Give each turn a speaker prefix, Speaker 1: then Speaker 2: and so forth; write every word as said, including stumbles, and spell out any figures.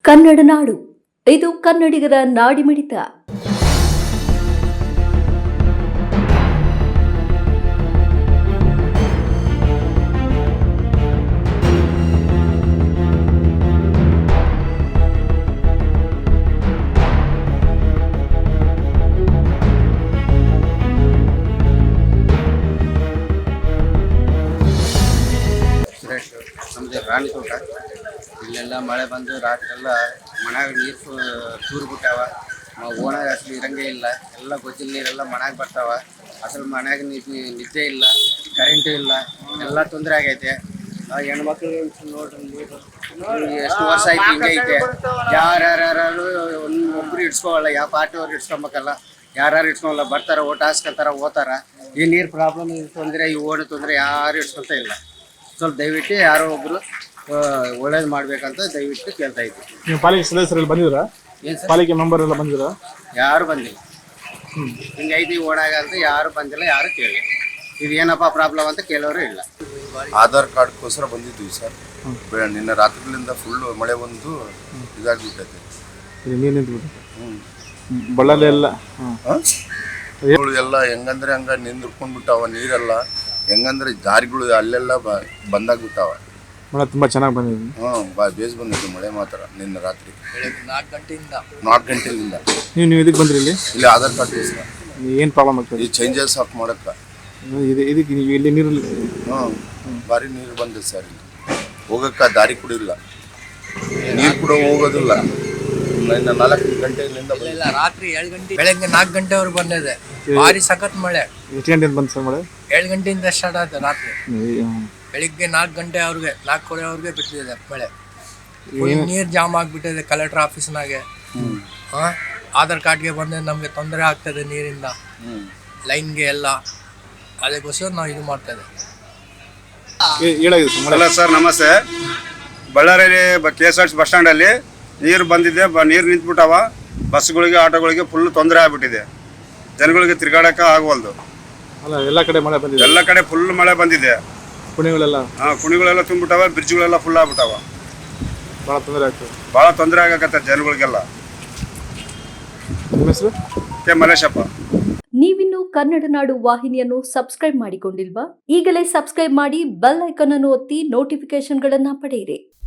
Speaker 1: ಕನ್ನಡ ನಾಡು, ಇದು ಕನ್ನಡಿಗರ ನಾಡಿಮಿಡಿತ.
Speaker 2: ನಮ್ಮದು ರಾಣಿ ತೋಟ. ಇಲ್ಲೆಲ್ಲ ಮಳೆ ಬಂದು ರಾತ್ರಿ ಎಲ್ಲ ಮನ್ಯಾಗ ನೀರು ತೂರು ಬಿಟ್ಟಾವ. ಓಣಾಗ ಅಸಲು ಇರಂಗೇ ಇಲ್ಲ. ಎಲ್ಲ ಗೊಜ್ಜಿನ ನೀರೆಲ್ಲ ಮನ್ಯಾಗ ಬರ್ತಾವ. ಅಸಲು ಮನ್ಯಾಗ ನಿದ್ದೆ ಇಲ್ಲ, ಕರೆಂಟು ಇಲ್ಲ, ಎಲ್ಲ ತೊಂದರೆ ಆಗೈತೆ. ಹೆಣ್ಮಕ್ಳು ನೋಡ್ರಿ ನೀರು ಎಷ್ಟು ವರ್ಷ ಆಯ್ತು ಹಿಂಗೆ ಐತೆ. ಯಾರ್ಯಾರು ಒಂದು ಒಬ್ರು ಇಡ್ಸ್ಕೊವಲ್ಲ, ಯಾವ ಪಾರ್ಟಿಯವ್ರು ಇಡ್ಸ್ಕೊಬೇಕಲ್ಲ, ಯಾರ್ಯಾರು ಇಡ್ಸ್ಕೊಲ್ಲ. ಬರ್ತಾರೆ, ಓಟ್ ಹಾಸ್ಕೊತಾರ, ಓದ್ತಾರ. ಈ ನೀರು ಪ್ರಾಬ್ಲಮ್ ತೊಂದರೆ, ಈ ಓಣಿ ತೊಂದರೆ ಯಾರು ಇಡ್ಸ್ಕೊತ ಇಲ್ಲ. ಸ್ವಲ್ಪ ದಯವಿಟ್ಟು ಯಾರೋ ಒಬ್ರು ಒಳ್ಳೇದು ಮಾಡ್ಬೇಕಂತ ದಯವಿಟ್ಟು ಕೇಳ್ತಾ ಇದ್ವಿ.
Speaker 3: ನೀವು ಪಾಲಿಕೆ ಸದಸ್ಯರಲ್ಲಿ ಬಂದಿದ್ದೀರಾ?
Speaker 2: ಏನು ಸರ್,
Speaker 3: ಪಾಲಿಕೆ ಮೆಂಬರ್ ಎಲ್ಲ ಬಂದಿದ್ದೀರಾ?
Speaker 2: ಯಾರು ಬಂದಿಲ್ಲ. ಹಿಂಗೈತಿ ಓಣಾಗ ಅಂತ ಯಾರು ಬಂದಿಲ್ಲ, ಯಾರು ಕೇಳಿಲ್ಲ. ಇದು ಏನಪ್ಪ ಪ್ರಾಬ್ಲಮ್ ಅಂತ ಕೇಳೋರು ಇಲ್ಲ.
Speaker 4: ಆಧಾರ್ ಕಾರ್ಡ್ಗೋಸ್ಕರ ಬಂದಿದ್ವಿ ಸರ್. ನಿನ್ನೆ ರಾತ್ರಿಗಳಿಂದ ಫುಲ್ ಮಳೆ ಬಂದು ಇದಾಗ್ಬಿಟ್ಟೈತೆ.
Speaker 3: ನೀರು ನಿಂತ್ಬಿಟ್ಟು ಬಳ್ಳಾರಿ ಎಲ್ಲ
Speaker 4: ಎಲ್ಲ ಹೆಂಗಂದ್ರೆ ಹಂಗ ನಿಂದ್ಕೊಂಡ್ಬಿಟ್ಟಾವ. ನೀರೆಲ್ಲ ಹೆಂಗಂದ್ರೆ ದಾರಿಗಳು ಅಲ್ಲೆಲ್ಲ ಬಂದಾಗ್ಬಿಟ್ಟಾವ.
Speaker 3: ಮಳೆ ತುಂಬಾ ಚೆನ್ನಾಗಿ ಬಂದಿದೆ.
Speaker 4: ಹ್ಮ್ ಬಾ ಬೇಸ್ ಬಂದಿತ್ತು ಮಳೆ ಮಾತ್ರ ನಿನ್ನೆ ರಾತ್ರಿ
Speaker 2: ನಾಲ್ಕು ಗಂಟೆಯಿಂದ
Speaker 4: ನಾಲ್ಕು ಗಂಟೆಯಿಂದ.
Speaker 3: ನೀವು ನೀವು ಇದಕ್ಕೆ ಬಂದ್ರಿ? ಇಲ್ಲಿ
Speaker 4: ಇಲ್ಲಿ ಆಧಾರ್ ಕಾರ್ಡ್ಗೋಸ್ಕರ
Speaker 3: ಏನು ಪ್ರಾಬ್ಲಮ್ ಆಗ್ತದೆ?
Speaker 4: ಈ ಚೇಂಜಸ್ ಹಾಕಿ ಮಾಡಕ್ಕ
Speaker 3: ಇದು ಇದಕ್ಕೆ ನೀವು ಇಲ್ಲಿ ನೀರಲ್ಲಿ
Speaker 4: ಹ್ಮ್ ಭಾರಿ ನೀರು ಬಂದಿದೆ ಸರ್. ಇಲ್ಲಿ ಹೋಗಕ್ಕ ದಾರಿ ಕೂಡ ಇಲ್ಲ, ನೀರು ಕೂಡ ಹೋಗೋದಿಲ್ಲ. ಇನ್ನು ನಾಲ್ಕು ಗಂಟೆಯಿಂದ
Speaker 2: ಇಲ್ಲ, ರಾತ್ರಿ ಏಳು ಗಂಟೆ ಬೆಳಗ್ಗೆ ನಾಲ್ಕು ಗಂಟೆವರೆಗೆ ಬಂದಿದೆ. ಭಾರಿ ಸಖತ್ ಮಳೆ.
Speaker 3: ಎಷ್ಟು ಗಂಟೆಯಿಂದ ಬಂತು ಸರ್ ಮಳೆ?
Speaker 2: ಏಳು ಗಂಟೆಯಿಂದ ಸ್ಟಾರ್ಟ್ ಆಯ್ತು ರಾತ್ರಿ. ಬೆಳಿಗ್ಗೆ ನಾಲ್ಕು ಗಂಟೆ ಅವ್ರಿಗೆ ನಾಲ್ಕೂವರೆ ಅವ್ರಿಗೆ ಬಿಟ್ಟಿದೆ ಮಳೆ. ನೀರು ಜಾಮ್ ಆಗಿಬಿಟ್ಟಿದೆ ಕಲೆಕ್ಟರ್ ಆಫೀಸ್ನಾಗೆ. ಹಾಂ, ಆಧಾರ್ ಕಾರ್ಡ್ಗೆ ಬಂದರೆ ನಮಗೆ ತೊಂದರೆ ಆಗ್ತದೆ ನೀರಿಂದ, ಲೈನ್ಗೆ ಎಲ್ಲ. ಅದಕ್ಕೋಸ್ಕರ ನಾವು ಇದು ಮಾಡ್ತೇವೆ.
Speaker 5: ಅಲ್ಲ ಸರ್, ನಮಸ್ತೆ. ಬಳ್ಳಾರಿಯಲ್ಲಿ K S R T C bus ಸ್ಟ್ಯಾಂಡಲ್ಲಿ ನೀರು ಬಂದಿದೆ. ಬ ನೀರು ನಿಂತ್ಬಿಟ್ಟಾವ. ಬಸ್ಗಳಿಗೆ, ಆಟೋಗಳಿಗೆ ಫುಲ್ ತೊಂದರೆ ಆಗ್ಬಿಟ್ಟಿದೆ. ಜನಗಳಿಗೆ ತಿರ್ಗಾಡಕ್ಕೆ ಆಗವಲ್ದು.
Speaker 3: ಅಲ್ಲ, ಎಲ್ಲ ಕಡೆ ಮಳೆ ಬಂದಿದೆ.
Speaker 5: ಎಲ್ಲ ಕಡೆ ಫುಲ್ ಮಳೆ ಬಂದಿದೆ.
Speaker 3: ಕುಣಿಗಳೆಲ್ಲ
Speaker 5: ಹಾಂ, ಕುಣಿಗಳೆಲ್ಲ ತುಂಬಿಬಿಟ್ಟಾವ. ಬ್ರಿಡ್ಜ್ಗಳೆಲ್ಲ ಫುಲ್ ಆಗ್ಬಿಟ್ಟಾವ.
Speaker 3: ಭಾಳ ತೊಂದರೆ ಆಗ್ತದೆ.
Speaker 5: ಭಾಳ ತೊಂದರೆ ಆಗಕತ್ತೆ ಜನಗಳಿಗೆಲ್ಲ.
Speaker 3: ನಿಮ್ಮ ಹೆಸರು?
Speaker 5: ಕೆ ಮಲೇಶಪ್ಪ.
Speaker 1: ನೀವಿನ್ನು ಕನ್ನಡ ನಾಡು ವಾಹಿನಿಯನ್ನು ಸಬ್ಸ್ಕ್ರೈಬ್ ಮಾಡಿಕೊಂಡಿಲ್ವಾ? ಈಗಲೇ ಸಬ್ಸ್ಕ್ರೈಬ್ ಮಾಡಿ, ಬೆಲ್ ಐಕಾನ್ ಅನ್ನು ಒತ್ತಿ ನೋಟಿಫಿಕೇಶನ್ಗಳನ್ನ ಪಡೆಯಿರಿ.